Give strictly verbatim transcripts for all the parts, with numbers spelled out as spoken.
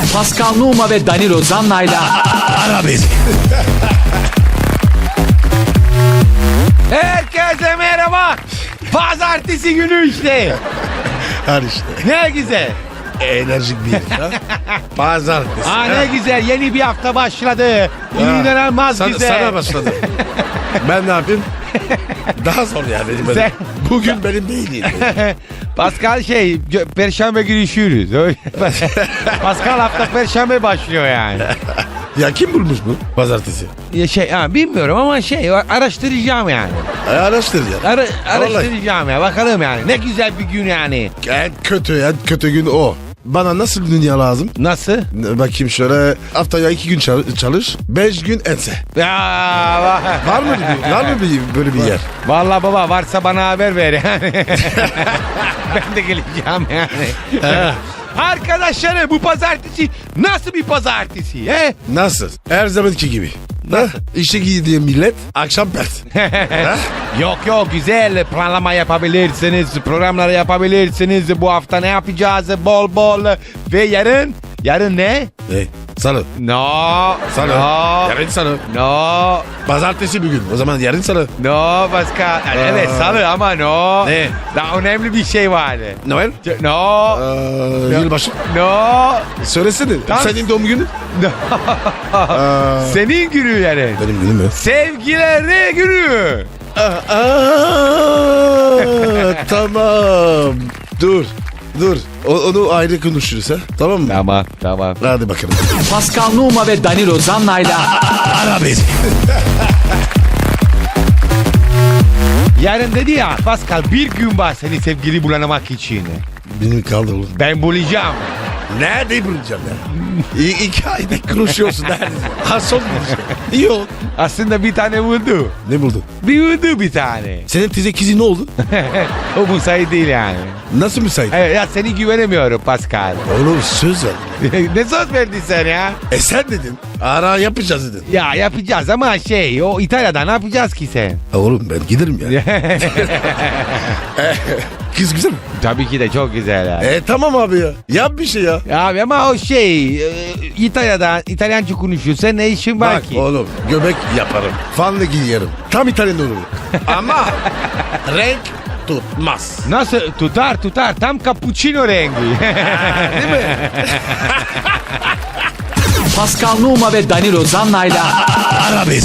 Pascal Numa ve Danilo Zanna'yla Ara beni. Herkese merhaba. Pazartesi günü işte. Her işte. Ne güzel. Enerjik bir herif ha. Pazartesi. Aa, ne güzel, yeni bir hafta başladı. İnanılmaz Sana, güzel. sana başladı. Ben ne yapayım? Daha zor ya benim. benim. Sen- Bugün benim değil. Pascal şey, gö- perşembe görüşürüz. Öyle- Pascal hafta perşembe başlıyor yani. Ya kim bulmuş bu pazartesi? Ya şey, ha, bilmiyorum ama şey, araştıracağım yani. E, araştır ya. Ara, araştıracağım ya, bakalım yani. Ne güzel bir gün yani. En kötü en kötü gün o. Bana nasıl bir dünya lazım? Nasıl? Bakayım şöyle, haftaya iki gün çal- çalış, beş gün ense. Ya, Var mı bir, var mı bir, böyle bir yer? vallahi baba, varsa bana haber ver yani. Ben de geleceğim yani. Arkadaşlarım, bu pazartesi nasıl bir pazartesi? He? Nasıl? Her zamanki gibi. Nasıl? İşe gidiyor millet, akşam pert. Yok yok, güzel planlama yapabilirsiniz, programları yapabilirsiniz. Bu hafta ne yapacağız bol bol ve yarın, yarın ne? Ne? Salı. No. Salı. No. Yarın salı. No. Pazartesi bir gün. O zaman yarın salı. No Pascal. Yani evet, salı ama no. Ne? Daha önemli bir şey vardı. Noel? No. Ee, yılbaşı. No. Söylesene. Tamam. Senin doğum günün? No. Aa, Senin günü yarın. benim günüm mü? Sevgileri günü. Aa, tamam. Dur. Dur. O, onu ayrı konuşuruz ha. Tamam mı? Tamam tamam. Hadi bakalım. Pascal Numa ve Danilo Zanna'yla Ara beni. Yarın dedi ya Pascal, bir gün var seni sevgili bulamak için. Benim kaldı oğlum. Ben bulacağım. Nerede bulacağım ya? İ- iki ayda konuşuyorsun neredeyse. Ha son bulacağım. Yok. Aslında bir tane buldu. Ne buldun? Bir buldu bir tane. Senin teyze kızı ne oldu? O müsait değil yani. Nasıl müsait? Evet, ya seni güvenemiyorum Pascal. Oğlum söz ver. Ne söz verdin sen ya? E sen dedin. Ara yapacağız dedin. Ya yapacağız ama şey, o İtalya'da ne yapacağız ki sen? Oğlum ben giderim ya. Kız güzel mi? Tabii ki de çok güzel ya. E tamam abi ya. Yap bir şey ya. Abi ama o şey, e, İtalya'da İtalyanca konuşuyorsa ne işin var Bak ki? oğlum, göbek yaparım. Fanla giyerim. Tam İtalyan olurum. Ama renk tutmaz. Nasıl tutar tutar, tam cappuccino rengi. Değil mi? Pascal Numa ve Danilo Zanna'yla Ara beni.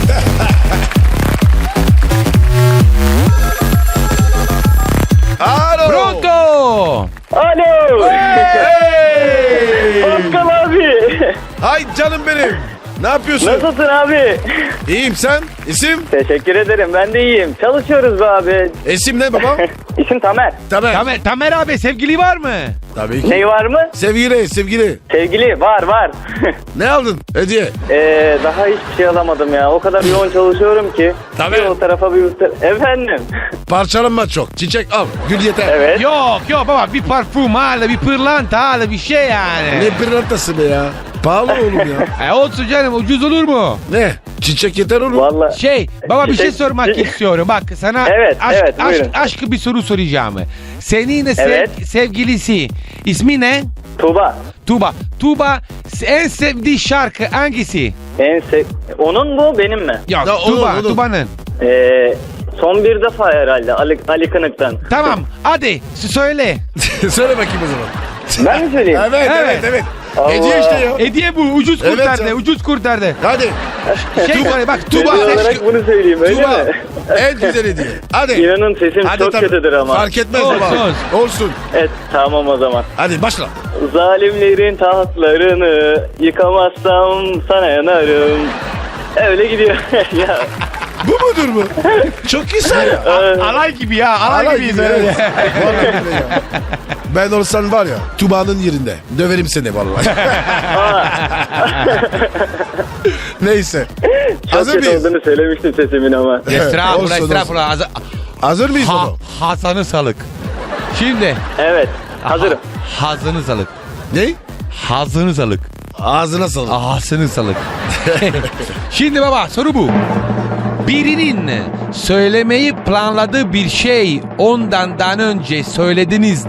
Alo. Pronto. Alo. Hey. Pascal abi. Hay canım benim. Ne yapıyorsun? Nasılsın abi? İyiyim, sen? İsim? Teşekkür ederim, ben de iyiyim. Çalışıyoruz be abi. İsim ne baba? İsim Tamer. Tamer. Tamer, Tamer abi, sevgili var mı? Tabii ki. Ney var mı? Sevgili, sevgili. Sevgili var var. Ne aldın? Hediye. ee, daha hiçbir şey alamadım ya. O kadar yoğun çalışıyorum ki. Tabii. Bir o tarafa bir bu tarafa. Efendim. Parçalanma çok. Çiçek al. Gül yeter. Evet. Yok yok baba, bir parfüm al, bir pırlanta al, bir şey yani. Ne pırlantası be ya? Pahalı oğlum ya. E olsun canım, ucuz olur mu? Ne? Çiçek yeter oğlum. Vallahi. Şey baba, bir şey Çiçek- sormak çi- istiyorum. Bak sana Evet, aşk, evet, aşk, buyurun. aşkı bir soru soracağım. Senin sev- Evet. sevgilisi ismi ne? Tuğba. Tuğba. Tuğba en sevdiği şarkı hangisi? En sev... Onun mu benim mi? Yok, Ya, onun, Tuğba, onun. Tuğba'nın. Ee, son bir defa herhalde Ali, Ali Kınık'tan. Tamam, hadi s- söyle. Söyle bakayım o zaman. Ben mi söyleyeyim? Evet, evet, Evet. evet. Allah. Hediye işte ya. Hediye bu, ucuz Evet kurtardı, ya. ucuz kurtardı. Hadi. Şey söyle bak, Tuğba. Hediye olarak bunu söyleyeyim, öyle Tuğba. mi? En güzel hediye. Hadi. İnanın sesim Hadi çok tabii. kötüdür ama. Fark etmez Olsun, baba. olsun. Olsun. Evet, tamam o zaman. Hadi başla. Zalimlerin tahtlarını yıkamazsam sana yanarım. Öyle gidiyor. ya. Bu mudur bu? Çok güzel ya. Alay gibi ya, alay, Alay gibiyiz gibi, öyle. evet. Vallahi billahi ya. Ben olsan var ya, Tuba'nın yerinde. Döverim seni vallahi. Neyse. Çok Hazır kötü mıyız? olduğunu söylemiştim sesimin ama. Estağfurullah, Olsun, estağfurullah. Haz- Hazır mıyız Ha, baba? Hasan'ı salık. Şimdi. Evet, hazırım. Ha, hazını salık. Ne? Hazını salık. Ağzına sağlık. Ağasını salık. Şimdi baba, soru bu. Birinin söylemeyi planladığı bir şey ondan daha önce söylediniz de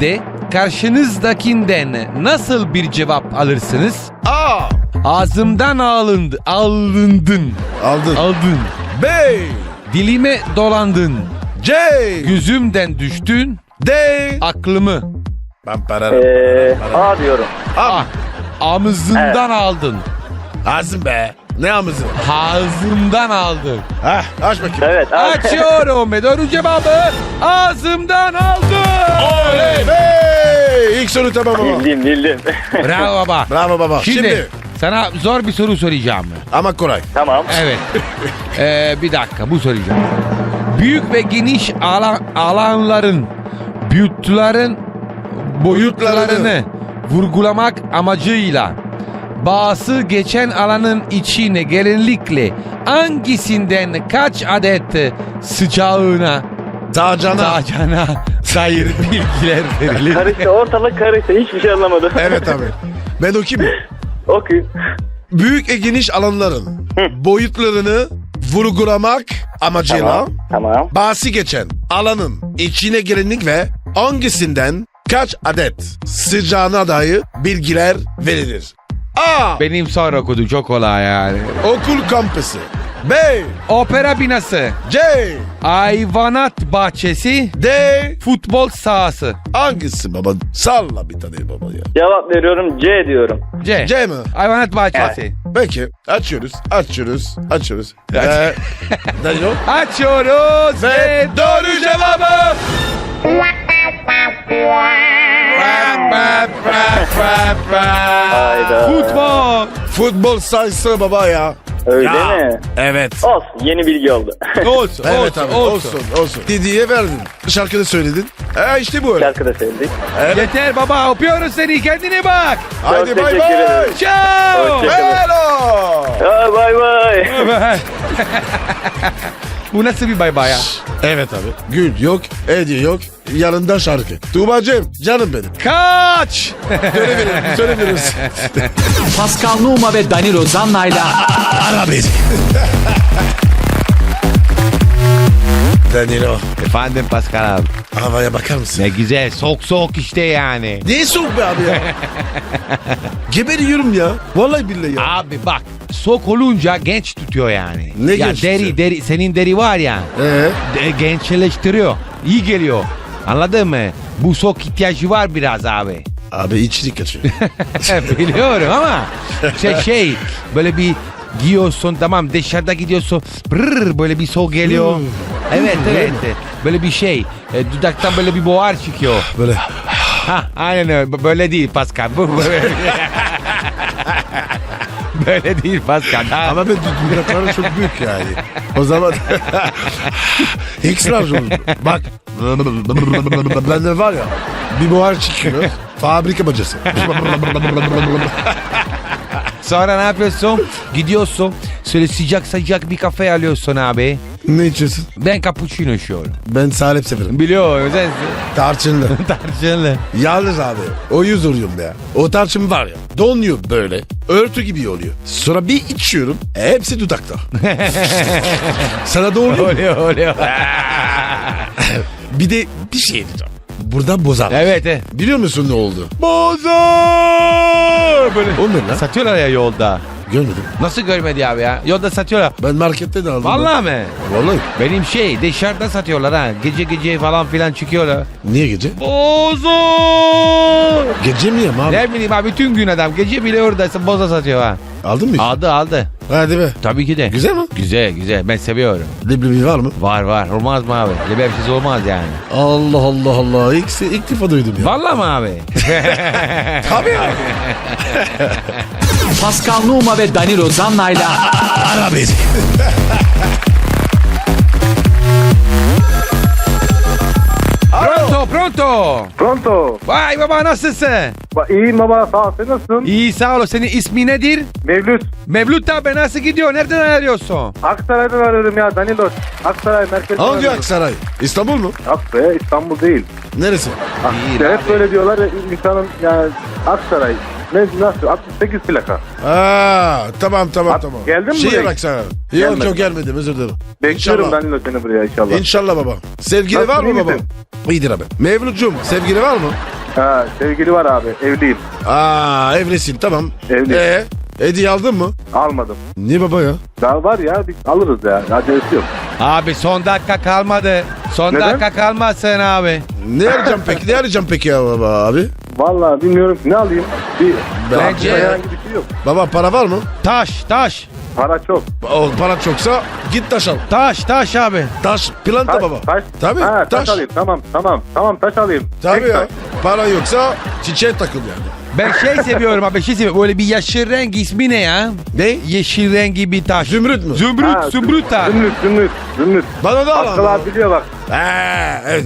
karşınızdakinden nasıl bir cevap alırsınız? A. Ağzımdan alındı, alındın, Aldın. aldın. B. Dilime dolandın, C. gözümden düştün, D. aklımı. Ben pararım. Ee, A diyorum. Ah, ağzımdan aldın, Ağzım be. Ne ağzı? ağzımdan aldın. Hah aç bakayım. Evet. A. Açıyorum ve doğru cevabı ağzımdan aldım. Oley be. İlk soru tamam baba. Bildim bildim. Bravo baba. Bravo baba. Şimdi, Şimdi. sana zor bir soru soracağım. Ama kolay. Tamam. Evet. Ee, bir dakika bu soracağım. Büyük ve geniş alan, alanların büyütlerin boyutlarını vurgulamak amacıyla bazı geçen alanın içine genellikle hangisinden kaç adet sıcağına Tacana. sıcağına dair bilgiler verilir? Karıştı ortalık karıştı. Hiçbir şey anlamadım. Evet abi. Ben okuyayım mı? Okuyun. Büyük ve geniş alanların boyutlarını vurgulamak amacıyla Tamam. Tamam. bahsi geçen alanın içine girenlik ve hangisinden kaç adet sıcağına dair bilgiler verilir? A. Benim sonra okudum çok kolay yani. Okul kampüsü. B. Opera binası, C. hayvanat bahçesi, D. futbol sahası. Hangisi baba? Salla bir tane baba ya. Cevap veriyorum C diyorum. C. C mi? Hayvanat bahçesi. Peki açıyoruz, açıyoruz, açıyoruz. Ve Danilo. Açıyoruz Ve ve doğru cevabı. Hayda. futbol. Futbol sayısı baba ya. Öyle Ya. mi? Evet. Olsun. Yeni bilgi oldu. Olsun, Evet olsun, abi olsun. olsun olsun. Didi'ye verdin. Şarkını söyledin. E işte bu öyle. Şarkı da sevdik. Evet. Yeter baba öpüyoruz seni kendine bak. Haydi Çok bay teşekkür bay. ederim. Ciao. Hoşça- Hello. Ha, bay bay. Bu nasıl bir bay bay ya? Evet abi. Gül yok, hediye yok. Yanında şarkı. Tuğbacığım canım benim. Kaç. Söylemeyiz, söylemeyiz. Pascal Numa ve Danilo Zanna'yla Ara beni. Danilo, Efendim Pascal abi. havaya bakar mısın? Ne güzel soğuk soğuk işte yani. Ne soğuk be abi ya. Geberiyorum ya. Vallahi billahi ya. Abi bak soğuk olunca genç tutuyor yani. Ne ya genç deri tutuyor? deri senin deri var ya. Ee? de- gençleştiriyor. İyi geliyor. Anladın mı? Bu soğuk ihtiyacı var biraz abi. Abi içlik kaçıyor. Biliyorum ama şey, şey böyle bir giyiyorsun tamam dışarıda gidiyorsun brrr, böyle bir soğuk geliyor. Hmm. Evet Hmm, evet. öyle Böyle bir şey e, dudaktan böyle bir buhar çıkıyor. Böyle. Ha aynen öyle. B- Böyle değil Pascal. Bu böyle. Böyle değil Pascal. Ha. Ama ben dudakları çok büyük yani. O zaman ekstra olur. Bak. Bende var ya bir buhar çıkıyor. Fabrika bacası. Sonra ne yapıyorsun? Gidiyorsun. Şöyle sıcak sıcak bir kafe alıyorsun abi. Ne içiyorsun? Ben cappuccino içiyorum. Ben salep severim. Biliyorum sen Tarçınlı. tarçınlı. Yalnız abi o yüz oluyorum ya. O tarçın var ya donuyor böyle. Örtü gibi oluyor. Sonra bir içiyorum. Hepsi dudakta. Sana da oluyor mu? Oluyor oluyor. Bir de bir şey diyeceğim. Burada bozar. Evet evet. Biliyor musun ne oldu? Bozar! Böyle O ne lan? satıyorlar ya yolda. Görmedim. Nasıl görmedi abi ya? Yolda satıyorlar. Ben markette de aldım. Vallahi mi? Vallahi. Benim şey dışarıda satıyorlar ha. Gece gece falan filan çıkıyorlar. Niye gece? Bozo! Gece mi yem abi? Ne bileyim abi bütün gün adam. Gece bile oradaysa boza satıyor ha. Aldın mı? Aldı aldı. Hadi be. Tabii ki de. Güzel mi? Güzel güzel. Ben seviyorum. Leblebi var mı? Var var. Olmaz mı abi? Lebepsiz olmaz yani. Allah Allah Allah. İlk, ilk defa duydum ya. Vallahi mı abi? Tabii abi. Pascal Numa ve Danilo Zanna'yla Ara beni. Pronto pronto. Pronto. Vay baba nasılsın? Ba- İyiyim baba sağ ol. Sen nasılsın? İyi sağ ol. Senin ismi nedir? Mevlüt. Mevlüt abi nasıl gidiyor? Nereden arıyorsun? Aksaray'dan arıyorum ya Danilo. Aksaray merkezden Hangi arıyorum. Aksaray? İstanbul mu? Aksaray İstanbul değil. Neresi? Değil Hep abi. böyle diyorlar ya, insanın yani Aksaray. Ne nasıl? altmış sekiz plaka. Aa, tamam tamam Abi, tamam. geldin mi Şehir buraya? Aksaray. Yok Gelmedim. yok gelmedim özür dilerim. Bekliyorum İnşallah. Danilo seni buraya inşallah. İnşallah baba. Sevgili Nasılsın, var mı iyi baba? misin? İyidir abi. Mevlut'cum sevgili var mı? Ha, sevgili var abi. Evliyim. Aa evlisin tamam. Evliyim. Ee, hediye aldın mı? Almadım. Niye baba ya? Daha var ya biz alırız ya. Acelesi yok. Abi son dakika kalmadı. Son Neden? dakika kalmasın abi. Ne arayacağım peki? Ne arayacağım peki ya baba abi? Vallahi bilmiyorum ki ne alayım. Bir Bence- herhangi bir şey yok. Baba para var mı? Taş taş. Para çok. O para çoksa git taş al. Taş taş abi. Taş planta Taş, baba. taş. Tabii Ha, taş. taş. alayım. Tamam tamam. Tamam taş alayım. Tabii Tek ya. taş. Para yoksa çiçeğe takıl yani. Ben şey seviyorum abi şey seviyorum. Böyle bir yeşil renk ismi ne ya? Ne? Yeşil rengi bir taş. Zümrüt mü? Zümrüt, Ha, zümrüt taş. Zümrüt zümrüt. Zümrüt. Bana da al Bakkal ama. abi biliyor bak. Ha, evet.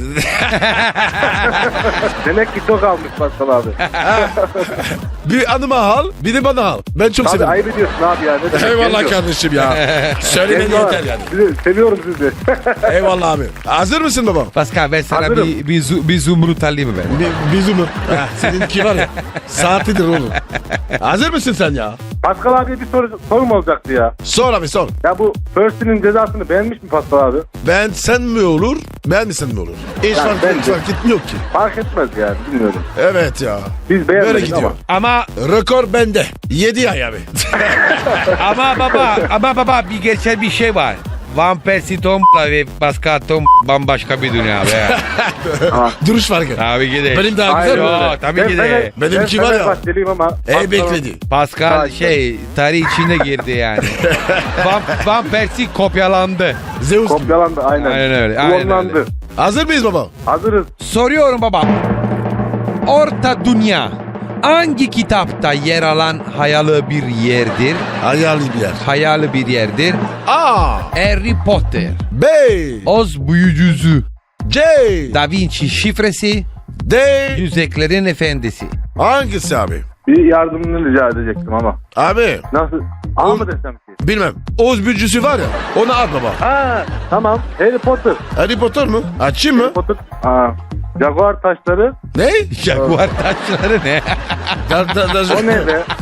Demek ki çok almış Bakkal abi. Bir anıma al, bir de bana al. Ben çok Abi severim. ayıp ediyorsun abi ya. Ne demek? Eyvallah Geliyor. kardeşim ya. Söylemeni Geliyor. yeter yani. Sizi, seviyorum sizi. Eyvallah abi. Hazır mısın baba? Pascal ben sana Hazırım. bir, bir, zu- bir zümrüt alayım mı ben? Bir, bizi mi? Ha, seninki var ya. Saatidir oğlum. Hazır mısın sen ya? Pascal abiye bir soru, sorum olacaktı ya. Sor abi sor. Ya bu Percy'nin cezasını beğenmiş mi Pascal abi? Ben sen mi olur, ben mi sen mi olur? Hiç Yani fark, ben hiç de. fark etmiyor ki. Fark etmez yani bilmiyorum. Evet ya. Biz Böyle beğenmedik gidiyor. ama. Ama Rekor bende. yedi ay abi. ama baba ama baba bir gerçek bir şey var. Van Persie Tom'la ve Pascal Tom bambaşka bir dünya be. Duruş farkı. Tabii ki de. Benim daha Hayır, güzel mi? Yo, öyle. tabii Ben ki de. Fener- Benimki ben var ya. Fenerbahçeliyim ama. Ey Pascal- bekledi. Pascal Ha, şey tarih içine girdi yani. Van, Van Persie kopyalandı. Zeus gibi. Kopyalandı aynen. Aynen öyle, aynen Klonlandı. öyle. Hazır mıyız baba? Hazırız. Soruyorum baba. Orta Dünya hangi kitapta yer alan hayali bir yerdir? Hayali bir yer. Hayali bir yerdir. A. Harry Potter, B. Oz Büyücüsü, C. Da Vinci şifresi, D. Yüzeklerin Efendisi. Hangisi abi? Bir yardımını rica edecektim ama. Abi Nasıl? A mı desem ki? bilmem. Oğuz büyücüsü var ya. Onu at baba. Ha tamam. Harry Potter. Harry Potter mı? Açayım mı? Harry Potter. Aa, Jaguar taşları. Ne? Jaguar taşları ne? Da- da- da- O ne be?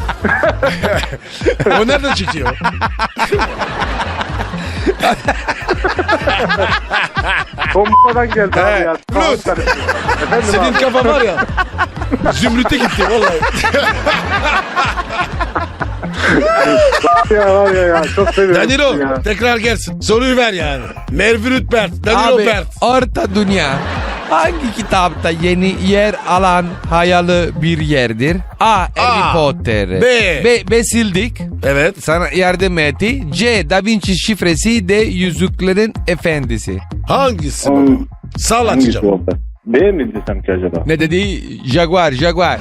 o nereden çıkıyor? Tombadan geldi abi ya. Plus. Efendim Senin abi. kafa var ya. Zümrüt'e gitti vallahi. Ya var ya ya. Çok seviyorum. Danilo ya. tekrar gelsin. Soruyu ver yani. Mervürüt Bert. Danilo Abi Bert. Orta Dünya hangi kitapta yeni yer alan hayali bir yerdir? A. Harry A. Potter. B. B. B sildik. Evet. Sana yardım etti. C. Da Vinci şifresi. D. Yüzüklerin Efendisi. Hangisi Hmm. baba? Sağ Hangisi açacağım. olsa? B mi desem ki acaba? Ne dedi? Jaguar, Jaguar.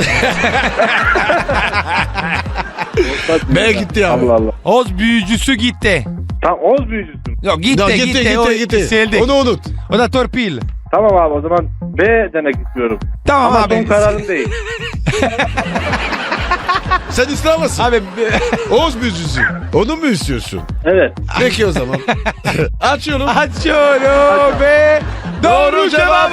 B gitti abi. Allah Allah. Oz büyücüsü gitti. Tam Oğuz büyücüsün. Yok gitti, Ya, gitti, gitti gitti o gitti. sildik. Onu unut. O da torpil. Tamam abi o zaman B demek istiyorum. Tamam Ama abi. son kararım değil. Sen İslam'ısın. Abi Oğuz büyücüsü. Onu mu istiyorsun? Evet. Peki o zaman. Açıyorum. açıyorum ve doğru cevabı.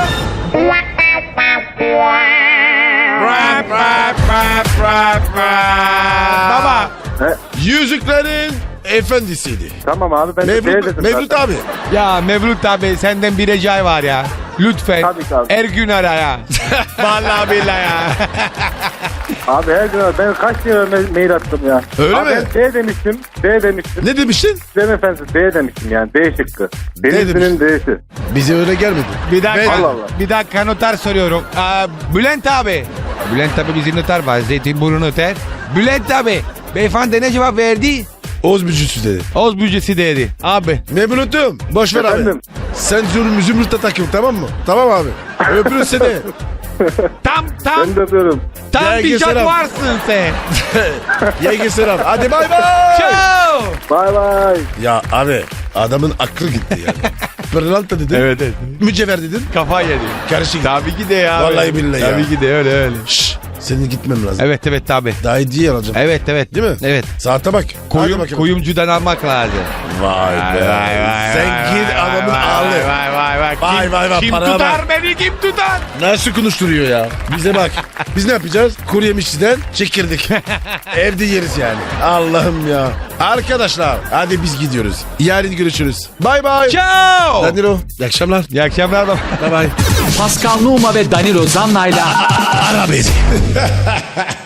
Rap, rap, rap, rap, rap. Baba. He, Yüzüklerin Efendisiydi. tamam abi ben de B Mevlüt, dedim Mevlüt zaten. abi. Ya Mevlüt abi senden bir ricay var ya. Lütfen Tabii ki abi. her gün ara ya. Vallahi billahi ya. Abi her gün ben kaç kere ma- mail attım ya. Öyle abi mi? Ben B demiştim. B demiştim. Ne demiştin? Dem efendim B demiştim yani. B şıkkı. Denizli'nin demiştin? D'si. Bize öyle gelmedi. Bir dakika, Ben- Allah Allah. bir dakika noter soruyorum. Aa, Bülent abi. Bülent abi bizim noter var. Zeytinburnu noter. Bülent abi. Beyefendi ne cevap verdi? Oğuz büyücüsü dedi. Oz büyücüsü dedi. Abi. Mevlüt'üm. Boş ver abi. Efendim? Sen zümrüt, zümrütle takıl tamam mı? Tamam abi. Öpürüz seni. Tam tam Ben de öpüyorum. tam Gel, bir gel, selam. jaguarsın sen. Yenge selam. Hadi bay bay. Ciao. Bay bay. Ya abi adamın aklı gitti yani. Pırlanta dedin. Evet evet. Mücevher dedin. Kafa yedi. Karışık. Tabii ki de ya. Vallahi billahi ya. Tabii ki de öyle öyle. Şşş. Senin gitmem lazım. Evet evet tabii. Daha hediye alacağım. Evet evet. Değil mi? Evet. Saate bak. Hadi Kuyum, bakalım. kuyumcudan almak lazım. Vay be. Sen git adamın ağlı. Vay vay vay. Vay Kim, vay vay, kim para tutar bak. beni kim tutar? Nasıl konuşturuyor ya? Bize bak. Biz ne yapacağız? Kuru yemişçiden çekirdik. Evde yeriz yani. Allah'ım ya. Arkadaşlar hadi biz gidiyoruz. Yarın görüşürüz. Bay bay. Ciao. Danilo. İyi akşamlar. İyi akşamlar baba. Bay bay. Pascal Numa ve Danilo Zanna'yla Ara beni.